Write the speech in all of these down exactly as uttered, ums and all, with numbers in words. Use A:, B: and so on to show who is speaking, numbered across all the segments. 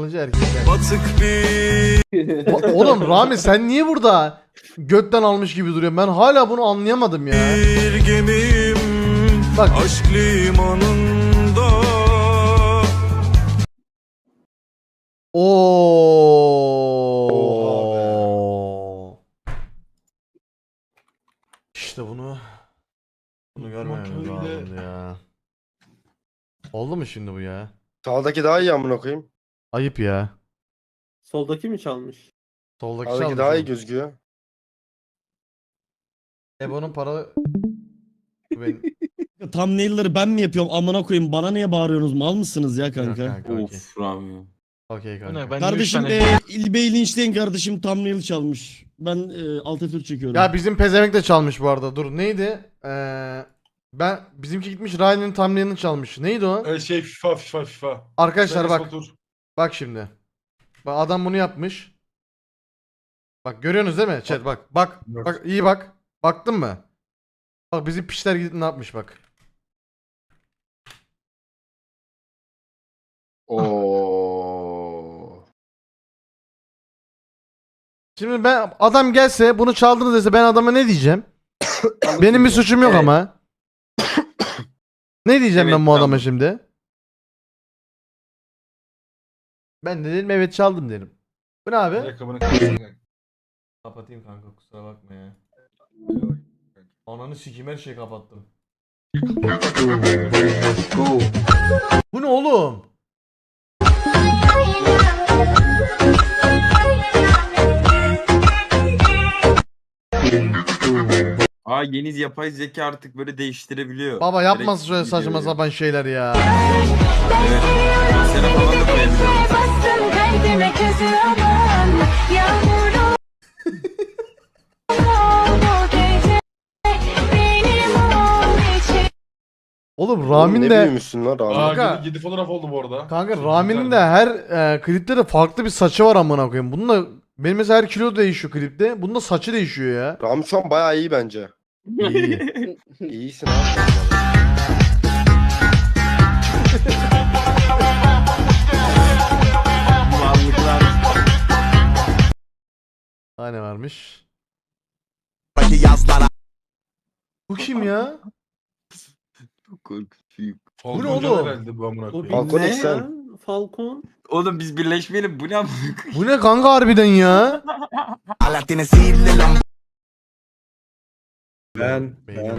A: kullanıcı erkekler.
B: Batık bir
A: O- Oğlum Rami sen niye burada götten almış gibi duruyorsun? Ben hala bunu anlayamadım ya.
B: gemim
A: Bak.
B: aşk limanında.
A: Oo. İşte bunu bunu görmememiz lazımdı ya. Oldu mu şimdi bu ya?
C: Sağdaki daha iyi amına koyayım.
A: Ayıp ya.
D: Soldaki mi çalmış?
A: Soldaki
C: Sağdaki
A: çalmış
C: daha iyi
A: oğlum.
C: gözüküyor.
A: Ebo'nun para... Ben...
E: Thumbnail'ları ben mi yapıyorum amına koyayım, bana niye bağırıyorsunuz, mal mısınız ya
A: Yok
E: kanka?
A: kanka, okey.
F: Of Rami.
A: Okey
G: Bu
A: kanka.
G: ne? Ben
E: Kardeşim
G: tane...
E: e, İlbey linçleyin kardeşim, thumbnail çalmış. Ben e, alt F dört çekiyorum.
A: Ya bizim pezevenk de çalmış bu arada. Dur neydi? Ee, ben bizimki gitmiş Ryan'ın thumbnail'ını çalmış. Neydi o?
G: Ee, şey FIFA FIFA FIFA.
A: Arkadaşlar
G: Enes
A: bak.
G: Batur.
A: Bak şimdi. Bak adam bunu yapmış. Bak görüyorsunuz değil mi? Chat bak. Bak.
G: Yok.
A: Bak iyi bak. Baktın mı? Bak bizim pişler gidip ne yapmış bak.
F: Oo.
A: Şimdi ben adam gelse bunu çaldınız dese ben adama ne diyeceğim? Benim bir suçum yok
C: Evet.
A: ama. Ne diyeceğim
F: Evet,
A: ben bu adama
F: tamam.
A: şimdi? Ben de dedim evet çaldım derim. Bu ne abi?
G: Ayakkabını kapatın.
A: Kapatayım kanka kusura bakma ya. Ananı sikeyim her şeyi kapattım. Bu ne oğlum?
F: Aa yeni yapay zeka artık böyle değiştirebiliyor.
A: Baba yapmasın şöyle
F: Direkt
A: saçma
F: videoyu.
A: sapan şeyler ya.
F: Evet. Bilgisayara falan da koyabiliyor.
H: Bastın kalbime közü aman yağmurlu bu gece benim ol için.
A: Oğlum
C: Oğlum
A: Ramin
C: ne
A: de
C: büyümüşsün lan Rami.
G: Aa,
A: Kanka.
G: yedi, yedi fotoğraf oldu bu arada.
A: kanka
G: Çok
A: Ramin'in
G: güzel.
A: de her e, klipte de farklı bir saçı var amına koyayım. Bunun da benim mesela her kilo değişiyor klipte. Bunun da saçı değişiyor ya.
C: Rami şu an bayağı iyi bence.
A: İyi.
C: İyisin abi.
F: Varlıklar.
A: Daha ne varmış? Bu kim ya?
F: Korkutucu.
G: Falcon
A: Bu ne
G: Can
A: oğlum?
G: herhalde bu amına
D: O
G: koyayım.
D: bir
C: Falcon
D: ne
C: X sen.
D: ya? Falcon.
F: Oğlum biz birleşmeyelim, bu ne amına koyayım?
A: Bu ne kanka harbiden ya?
C: Ben.
A: Ben.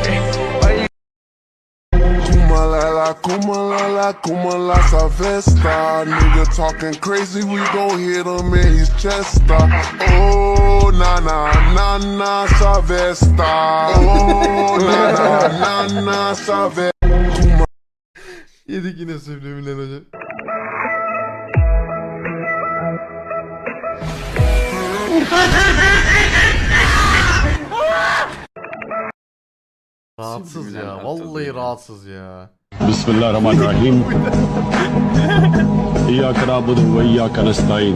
I: Kumalala, kumalala, kumala savesta. Nigga talking crazy, we gon' hit him in his chest. Oh, na na na na savesta. Oh, na na na na savesta.
A: Yedik yine subliminal hocam. Rahatsız ya. Vallahi rahatsız ya.
J: Bismillahirrahmanirrahim. İyyâke na'budu ve iyyâke nestaîn.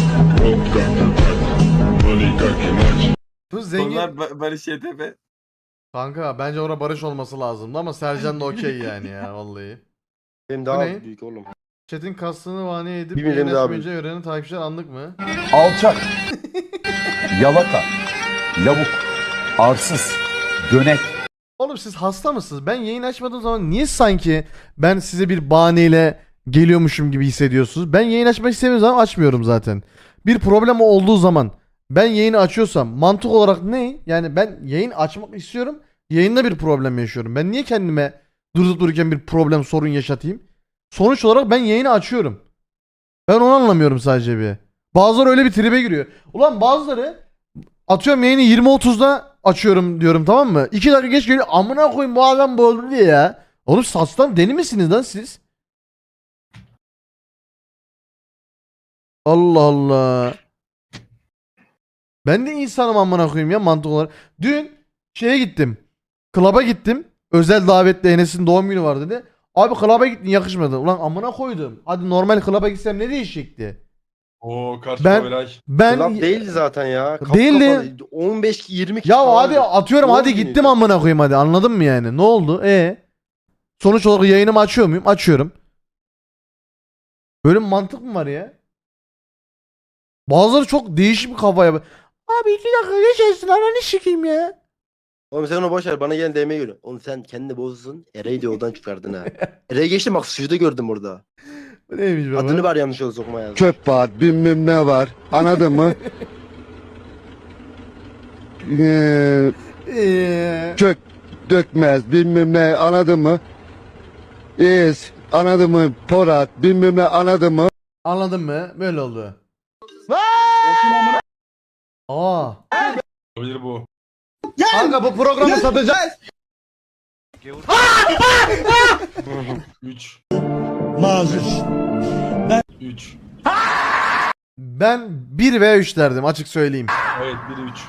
A: Bu zengin.
F: Onlar ba- Barış Y T P.
A: Kanka bence orada barış olması lazımdı ama Sercan da okey yani ya vallahi.
C: Benim
A: Bu
C: daha
A: ne?
C: büyük oğlum.
A: Chat'in kastını vani edip
C: Bir milim
A: yayın
C: daha
A: açmayınca öğrenen takipçiler anlık mı?
K: Alçak, yalaka, lavuk, arsız, dönek.
A: Oğlum siz hasta mısınız? Ben yayın açmadığım zaman niye sanki ben size bir bahaneyle geliyormuşum gibi hissediyorsunuz? Ben yayın açmak istediğim zaman açmıyorum zaten. Bir problem olduğu zaman ben yayını açıyorsam mantık olarak ne? Yani ben yayın açmak istiyorum. Yayında bir problem yaşıyorum. Ben niye kendime durup dururken bir problem sorun yaşatayım? Sonuç olarak ben yayını açıyorum. Ben onu anlamıyorum sadece bir. Bazıları öyle bir tribe giriyor. Ulan bazıları atıyorum yayını yirmi otuzda açıyorum diyorum tamam mı? iki dakika geç geliyor amına koyayım bu adam böldü diye ya. Oğlum saçtan deli misiniz lan siz? Allah Allah. Ben de insanım amına koyayım ya mantık olarak. Dün şeye gittim. Klaba gittim. Özel davetle Enes'in doğum günü var dedi. Abi klaba gittin yakışmadı. Ulan amına koydum. Hadi normal klaba gitsem ne değişecekti?
G: Oo karşı
A: Ben-
G: Kovelay.
A: Ben
C: Club değildi zaten ya. Kap
A: Değildi.
C: kapalı. on beş yirmi kişi
A: ya
C: falan.
A: hadi atıyorum
C: Doğum
A: hadi
C: günüydü.
A: gittim amına koyayım hadi anladın mı yani? Ne oldu? E sonuç olarak yayınımı açıyor muyum? Açıyorum. Böyle bir mantık mı var ya? Bazıları çok değişik bir kafaya. Abi iki dakika geçersin ananı sikeyim ya.
C: Oğlum sen onu boş ver, bana gelen D M'ye göre. Oğlum sen kendini bozdun. Ereği de yoldan çıkardın ha. Ereği geçtim, bak suyu da gördüm orada.
A: Bu neymiş baba?
C: Adını var yanlış yolda sokma yazdım.
I: Çöp var, bilmem ne var. Anladın mı? Ee,
A: Eee,
I: çök dökmez, bilmem ne, anladın mı? İz, anladın mı? Porat, bilmem ne, anladın mı?
A: Anladın mı? Böyle oldu. Aa.
G: Olabilir bu.
A: Kanka bu programı satacağız.
G: üç.
E: Mazur.
G: üç.
A: Ben bir ve üç derdim açık söyleyeyim.
G: Evet biri üç.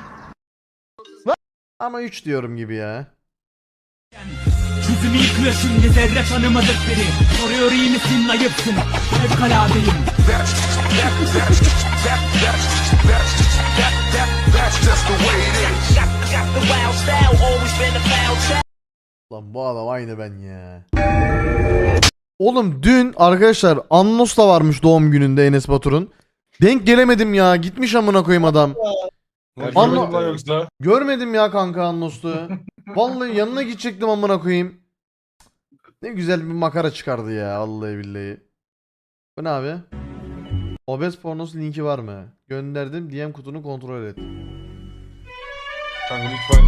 A: Ama üç diyorum gibi ya.
L: Yüzümü yıkıyor şimdi zerre tanımadık biri. Soruyor iyi misin ayıpsın. Fevkaladeyim.
A: Lan bu adam aynı ben ya. Oğlum dün arkadaşlar Annos da varmış doğum gününde Enes Batur'un. Denk gelemedim ya. Gitmiş amına koyayım adam.
G: Ya,
A: Anla-
G: görmedim lan yoksa.
A: Görmedim ya kanka Annos'tu. Vallahi yanına gidecektim amına koyayım. Ne güzel bir makara çıkardı ya vallahi billahi. Bu ne abi? Obez pornosu linki var mı? Gönderdim D M kutunu kontrol et.
G: Kanka lütfen.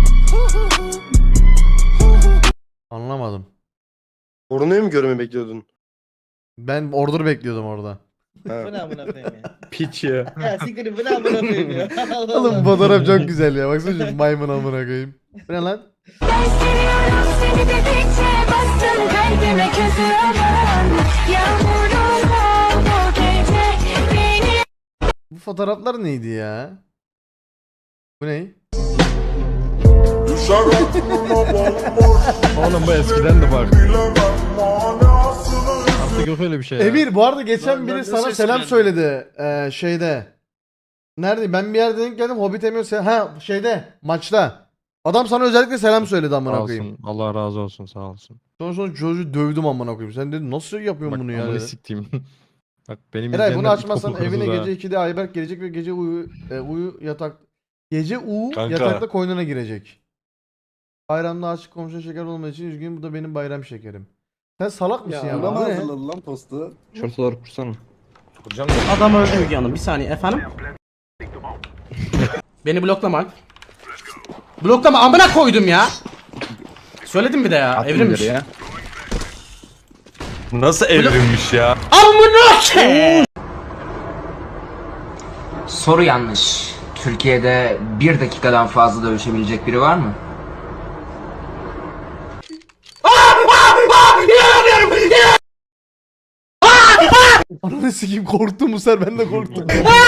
A: Anlamadım.
C: Korunuyu mu görmeyi bekliyordun?
A: Ben order bekliyordum orada.
C: Ha.
E: Bu ne amına koyayım ya?
F: Piç ya.
E: Ya siktir bu ne amına koyayım ya? Allah
A: Oğlum
E: Allah.
A: bu fotoğraf çok güzel ya. Baksana şu maymun amına koyayım. Bu ne lan?
H: Ben seviyorum seni dedikçe bastın kalbime közü aman. Yağmurum ol bu gece beni.
A: Bu fotoğraflar neydi ya? Bu ne?
J: Oğlum bu eskiden de bak. Artık yok öyle bir şey ya.
A: Emir bu arada geçen
D: Lan
A: biri
D: ben
A: sana
D: nasıl
A: selam
D: eskiden?
A: söyledi. Ee, şeyde. Nerede? Ben bir yerde denk geldim. Hobbit Emir se- ha şeyde maçta. Adam sana özellikle selam söyledi amına
J: Sağ
A: koyayım.
J: olsun. Allah razı olsun sağ olsun.
A: Sonra sonra çocuğu dövdüm amına koyayım. Sen dedin nasıl yapıyorsun
J: Bak
A: bunu ya?
J: amını
A: dedi.
J: siktiğim. Bak benim
A: Eray bunu
J: izleyenler
A: açmazsan
J: ilkokul
A: evine
J: kızı da.
A: gece ikide Ayberk gelecek ve gece uyu e, uyu yatak gece uyu
G: Kanka.
A: yatakta koynuna girecek. Bayramda aşık komşu şeker olmadığı için üzgünüm bu da benim bayram şekerim. Sen salak mısın ya? Bu ne?
C: lan postu?
F: Şortaları kursana.
G: Hocam
D: Adam öldü Müge Hanım. Bir saniye efendim. Beni bloklamak. Bloklama amına koydum ya. Söyledim bir de ya. Evrimmiş.
F: Ya. Nasıl evrilmiş ya?
D: Amına ke.
L: Soru yanlış. Türkiye'de bir dakikadan fazla dövüşebilecek biri var mı?
A: Ananı sikeyim korktum bu sefer ben de korktum.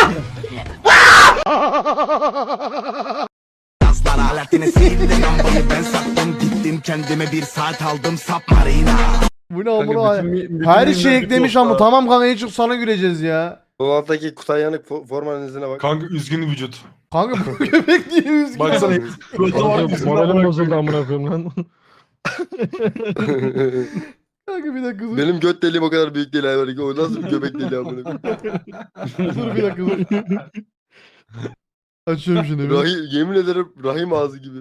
L: ben sattım gittim kendime bir saat aldım submarina.
A: Bu ne amına? Her şey eklemiş ama tamam kanka en çok sana güleceğiz ya.
C: Bu alttaki Kutay Yanık fo- formanın izine bak.
G: kanka üzgün vücut.
A: Kanka bu köpek niye üzgün?
G: Baksana. Götü var
J: Kanka,
G: yüzünde
J: Moralim
G: amına
J: bozuldu amına koyayım lan.
A: Kanka bir dakika dur.
C: Benim göt deliğim o kadar büyük değil abi. O nasıl bir göbek deliği amına koyayım?
A: Dur bir dakika dur. Açıyorum şunu bir.
C: Rahim, yemin ederim rahim ağzı gibi.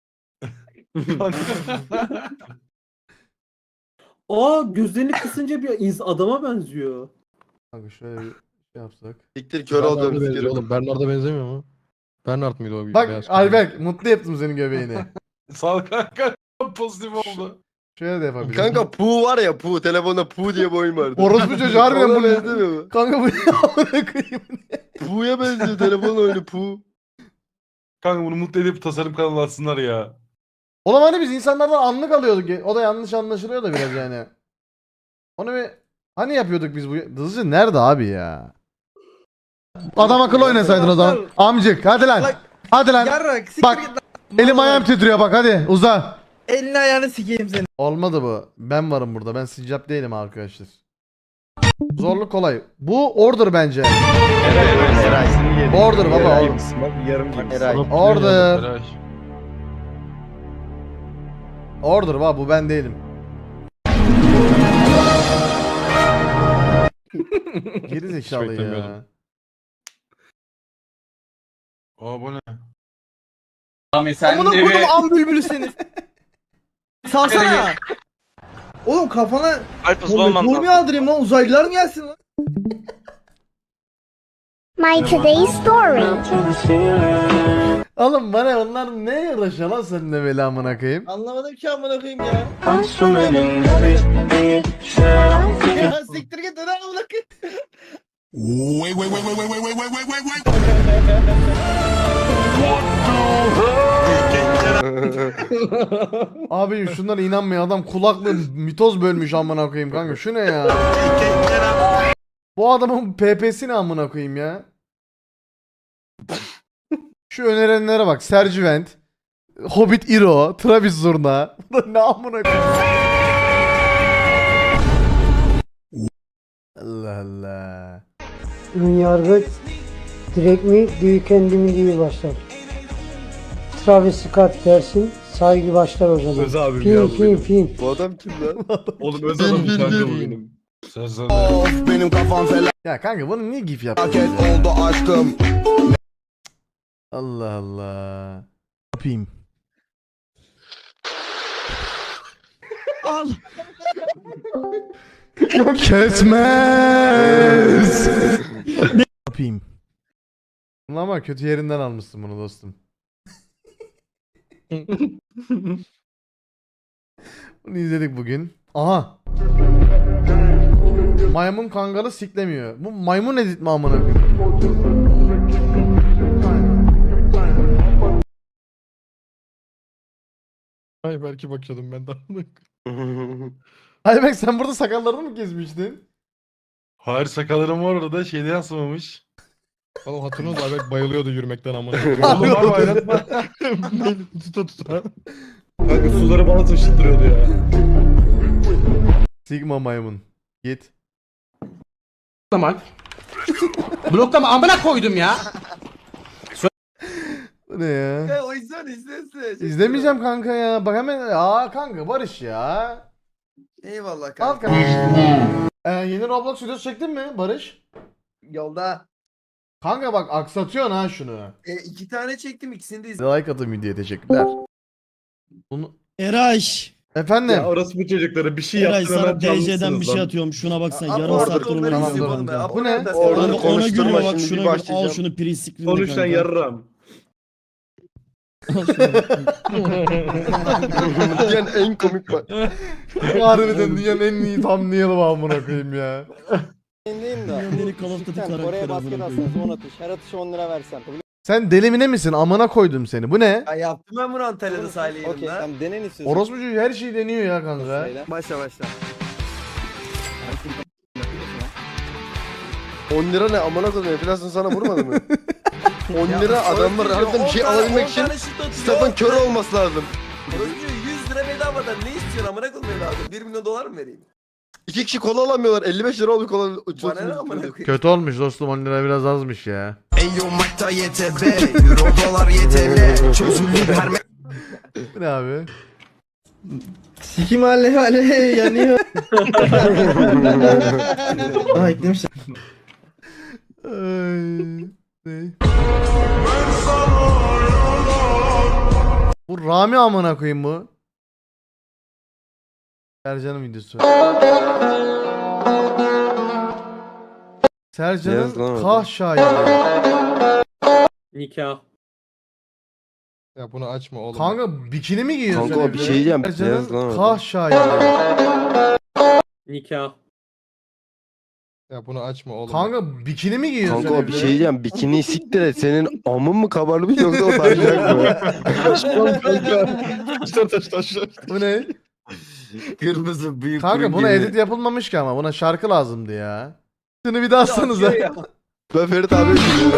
D: Aa gözlerini kısınca bir ins- adama benziyor.
A: Kanka şöyle bir şey yapsak.
C: Siktir kör olacağım sikerim.
J: Oğlum Bernard'a benzemiyor mu? Bernard mıydı o?
A: Bak
J: beyaz
A: Ayberk mutlu yaptım senin göbeğini.
G: Sağ ol kanka. Pozitif oldu.
A: Şöyle de yapabilirim.
C: Kanka Pu var ya Pu. Telefonda Pu diye bir oyun vardı.
A: Orospu çocuğu harbiden
C: Ona
A: bu ne?
C: benzemiyor mu?
A: Kanka bu ne amına koyayım?
C: Pu'ya benziyor telefon oyunu Pu.
G: Kanka bunu mutlu edip tasarım kanalı açsınlar ya.
A: Oğlum hani biz insanlardan anlık alıyorduk. O da yanlış anlaşılıyor da biraz yani. Onu bir hani yapıyorduk biz bu? Hızlıca nerede abi ya? Adam akıllı oynasaydın o zaman. Amcık hadi lan. Hadi lan. Bak elim ayağım titriyor bak hadi uza.
L: Elini ayağını sikeyim seni.
A: Olmadı bu. Ben varım burada. Ben sincap değilim arkadaşlar. Zorluk kolay. Bu order bence. Order baba oğlum.
C: Eray.
A: Order.
G: Eray.
A: Order baba bu ben değilim. Geri zekalı
J: beklemiyordum.
A: ya.
G: Aa bu ne?
D: Rami sen
A: Amına
D: de
A: koydum
D: bir...
A: am bülbülü seni. Salsana. Oğlum kafana Tormu aldırayım lan, uzaylılar mı gelsin lan?
H: My today's story.
A: Oğlum bana onlar ne uğraşıyor lan seninle böyle amına koyayım?
E: Anlamadım ki amına koyayım ya. Ya siktir git lan amına koyayım.
I: Wait, wait, wait, wait, wait, wait, wait, wait, wait, wait, wait.
A: Abi şunlara inanmıyor, adam kulaklığı mitoz bölmüş amına koyayım kanka, şu ne ya? Bu adamın P P'si ne amına koyayım ya? Şu önerenlere bak, Sergivent, Hobbit Iro, Travis Zurna. Bu da ne amına koyayım? Allah Allah.
M: Ön yargı direkt mi büyük kendimi gibi başlar. Travis Scott dersin, saygı başlar o zaman.
G: Öz abim
M: Fin
G: ya bu
M: fin
G: benim.
M: fin.
C: Bu adam kim lan?
G: Oğlum öz adamım kanka bu benim. Sen sen.
I: Benim kafam
A: Ya kanka bunu niye gif
I: felaket
A: yapıyorsun ya?
I: oldu aşkım.
A: Allah Allah. Yapayım.
E: Al.
A: Kesmez. Yapayım. Ama kötü yerinden almışsın bunu dostum. Bunu izledik bugün. Aha. Maymun kangalı siklemiyor. Bu maymun edit mi amına koyayım?
J: Ay belki bakıyordum ben de.
A: Ayberk sen burada sakallarını mı kesmiştin?
G: Hayır sakallarım var orada şeyde yansımamış.
J: Oğlum hatırlıyorsunuz Ayberk bayılıyordu yürümekten amına.
G: Oğlum var mı ayrıtma?
J: tuta tuta.
G: Kanka suları bana taşıttırıyordu ya.
A: Sigma maymun. Git.
D: Bloklama. Bloklama amına koydum ya.
A: Bu ne ya?
C: O yüzden izlesin.
A: İzlemeyeceğim kanka ya. Bak hemen. Aa kanka Barış ya.
C: Eyvallah
A: Al
C: kanka.
A: kanka. Ee, yeni Roblox videosu çektin mi Barış?
C: Yolda.
A: Kanka bak aksatıyorsun ha şunu.
C: E, iki tane çektim, ikisini de
A: Like atın videoya, teşekkürler. Bunu...
E: Eraş.
A: Efendim?
G: Ya orası bu çocuklara bir şey
E: Eray
G: yaptın hemen
E: sana D C'den
G: canlısınız
E: bir şey
G: lan.
E: atıyorum. Şuna baksana.
C: Aa,
E: Yarım
C: orada
E: saattir
C: onları
E: onu
A: izliyorum
E: izliyorum
A: ben.
E: kanka.
A: Bu ne?
C: Orada
E: Ona,
C: orada
E: ona
C: konuşturma,
E: gülüyor bak
C: şimdi
E: şuna
C: bir
E: gül. Al
C: başlayacağım.
E: şunu prinsipli.
G: Konuşan yarram.
C: Dünyanın en komik bak.
A: Bu harbiden dünyanın en iyi thumbnail'ı amına koyayım ya.
E: Beni Call of Duty karakteri amına koyayım.
M: on atış. Her atışı on lira versen.
A: Sen delimine misin? Amına koydum seni. Bu ne?
C: Ya yaptım ben bunu Antalya'da sahile yerimde.
M: tamam denen istiyorsun.
A: Orospu çocuğu her şeyi deniyor ya kanka.
C: Başla başla. on lira ne amına koyayım, enflasyon sana vurmadı mı? on lira adamlar harbiden bir şey alabilmek için stafın kör olması lazım. yüz lira bedavadan ne istiyorsun amına koyayım evladım? bir milyon dolar mı vereyim? İki kişi kola alamıyorlar. elli beş lira oldu kola. Bana ne amına koyayım?
A: Kötü olmuş dostum, on lira biraz azmış ya.
B: Eyo makta Y T B, Euro dolar Y T L, çözülür her
A: Bu ne abi?
M: Sikim hale hale yanıyor. Aa eklemişler.
A: Ay, ne? Bu Rami amına koyayım bu. Sercan'ın videosu.
C: Yaz lan
A: Sercan'ın
C: orada.
A: kah şahidi.
D: Nikah.
J: Ya bunu açma oğlum.
A: Kanka bikini mi giyiyorsun?
C: Kanka
A: sen
C: bir
A: evde?
C: şey diyeceğim. Yaz lan
A: Sercan'ın
C: orada.
A: kah şahidi.
D: Nikah.
J: Ya bunu açma oğlum.
A: Kanka bikini mi giyiyorsun?
C: Kanka
A: sen
C: o bir
A: evde?
C: şey diyeceğim. Bikini siktir et. Senin amın mı kabarmış yoksa o taşacak mı?
J: Taşlar taş taşlar.
A: Bu ne?
F: Kırmızı büyük
A: Kanka buna edit yapılmamış ki ama buna şarkı lazımdı ya. Şunu bir daha atsanıza.
C: Ben Ferit abi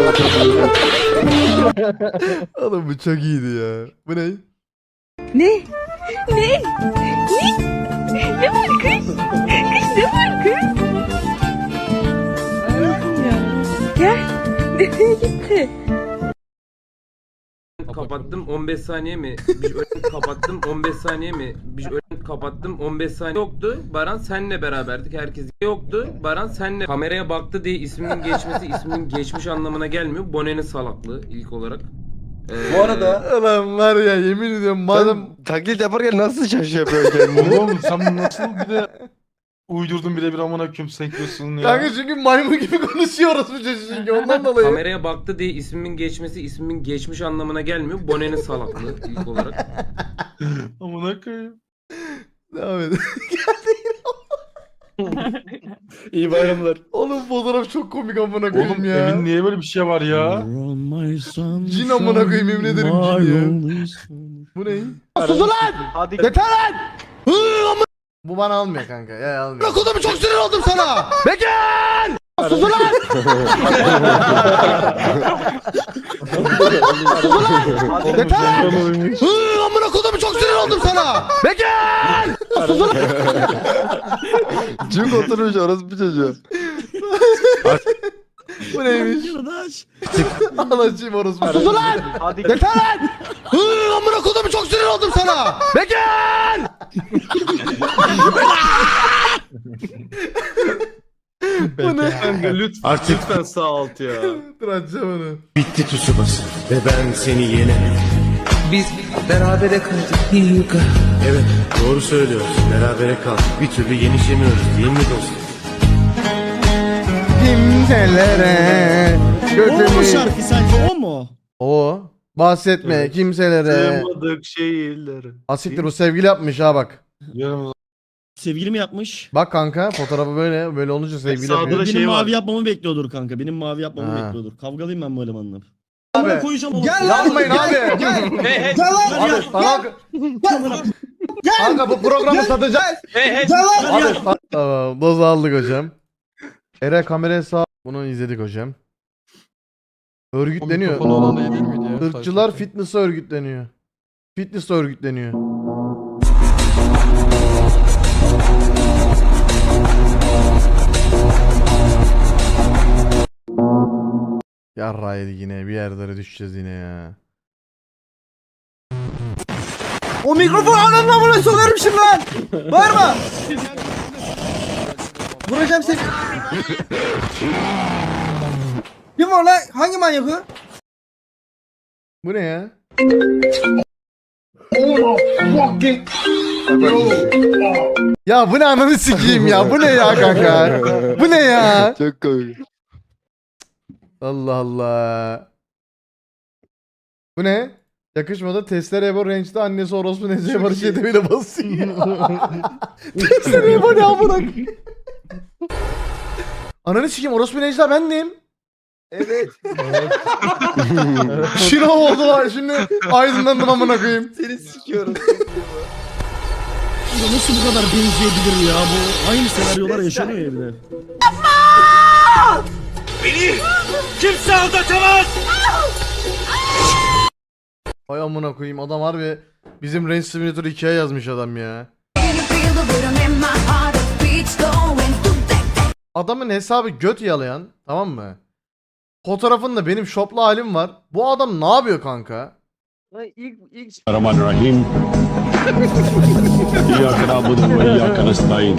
A: Oğlum bu çok iyiydi ya. Bu ne?
H: Ne? Ne? Ne? Ne var kız? Kız ne var kız? Allah'ım ya. Gel. Nereye gitti?
J: Kapattım
F: on beş saniye mi? Bir kapattım on beş saniye mi? Bir
N: kapattım. on beş saniye yoktu. Baran senle beraberdik. Herkes yoktu. Baran senle kameraya baktı diye isminin geçmesi isminin geçmiş anlamına gelmiyor. Bone'nin salaklığı ilk olarak. Ee,
C: Bu arada
A: Ulan var ya yemin ediyorum madem
C: madem taklit yaparken nasıl şaşı yapıyor kendini?
G: Oğlum sen nasıl bir de uydurdun bile bir amına koyayım senkliyorsun ya.
A: kanka çünkü maymun gibi konuşuyoruz bu çocuk çünkü ondan dolayı.
N: kameraya baktı diye ismimin geçmesi ismimin geçmiş anlamına gelmiyor. Bone'nin salaklığı ilk olarak.
G: Amına koyayım.
A: Devam edin.
J: İyi bayramlar.
A: Oğlum fotoğraf çok komik amına koyayım
G: Oğlum
A: ya.
G: evin niye böyle bir şey var ya?
A: Cin amına koyayım, yemin ederim cin ya. Bu ne? Sus ulan!
J: Hadi.
A: Yeter lan! Hı, amına- Bu bana almıyor kanka. Ya almıyor. Bak odamı çok sinir oldum sana. Bekir! Sus ulan! Sus ulan! Yeter lan! Hı, amına kodamı çok sinir oldum sana. Bekir! Sus ulan!
C: Cuk oturmuş orası bir çocuğu.
A: Bu neymiş?
E: Arkadaş.
A: Anacığım orospu. Sus ulan!
J: Hadi.
A: Yeter lan! Hı, amına kodamı çok sinir oldum sana. Bekir! Bu ne?
G: Kanka lütfen, lütfen sağ alt ya.
A: Dur açacağım onu.
B: Bitti Tsubasa ve ben seni yenemedim. Biz berabere kaldık Hyuga. Evet doğru söylüyorsun, berabere kaldık. Bir türlü yenişemiyoruz değil mi dostum?
A: Kimselere
E: O mu
A: götümü...
E: şarkı sence o mu?
A: O. Bahsetme
G: Evet.
A: kimselere.
G: Sığmadık şehirlere.
A: Asiktir bu sevgili yapmış ha bak.
G: Yarın
E: Sevgili mi yapmış?
A: Bak kanka fotoğrafı böyle böyle olunca sevgili
G: Sağda
A: yapıyor.
G: da
E: Benim
G: şey var.
E: mavi yapmamı bekliyordur kanka. Benim mavi yapmamı
A: Ha.
E: bekliyordur. Kavgalıyım ben bu elemanla.
A: Abi.
E: Abi. Koyacağım oğlum.
A: Yapmayın abi. Gel. Gel lan. Abi sana... Kanka bu programı satacağız. Abi sa- tamam doz aldık hocam. Ere kameraya sağ. Bunu izledik hocam. Örgütleniyor.
J: Mikrofonu olan iyi değil miydi ya?
A: Irkçılar
J: Sanki.
A: fitness'a örgütleniyor. Fitness'a örgütleniyor. Yarraydı yine bir yerlere düşeceğiz yine ya.
C: O mikrofonu ananla buna sokarım şimdi lan. Bağırma. Vuracağım seni. Kim var lan? Hangi manyak o?
A: Bu ne ya? Ya bu ne ananı sikeyim ya. Bu ne ya kanka? Bu ne ya?
C: Çok komik.
A: Allah Allah. Bu ne? Yakışmadı. Testere Ebo Range'de annesi orospu Nezih'e Barış Yedevi'yle basıyor. Testere Ebo ne amına? Ananı sikeyim orospu Necla bendim.
C: Evet.
A: Şino oldu var şimdi aydınlandım amına koyayım.
C: Seni sikiyorum.
E: Ya nasıl bu kadar benzeyebilir ya bu? Aynı senaryolar yaşanıyor ya bir de.
A: Ay amına koyayım adam harbi bizim Range Simulator ikiye yazmış adam ya. Adamın hesabı göt yalayan, tamam mı? Fotoğrafında benim şoplu halim var. Bu adam ne yapıyor kanka?
C: İlk ilk
K: Rahim. İyyâke na'budu ve iyyâke nestaîn.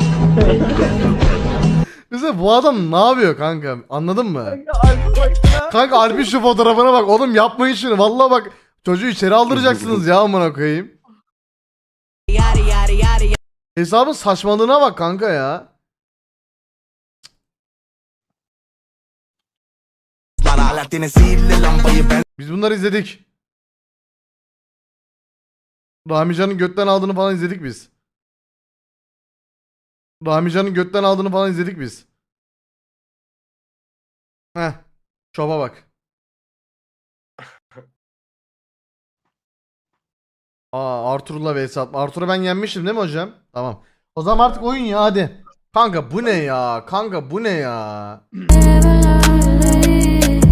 A: Mesela bu adam ne yapıyor kanka? Anladın mı? Kanka Alp'in şu fotoğrafına bak. Oğlum yapmayın şunu. Vallahi bak çocuğu içeri aldıracaksınız ya amına koyayım. Hesabın saçmalığına bak kanka ya. Biz bunları izledik. Ramican'ın götten aldığını falan izledik biz. Ramican'ın götten aldığını falan izledik biz. Heh. Şoba bak. Aa Arthur'la vs atma. Arthur'u ben yenmiştim değil mi hocam? Tamam. O zaman artık oyun ya hadi. Kanka bu ne ya? Kanka bu ne ya?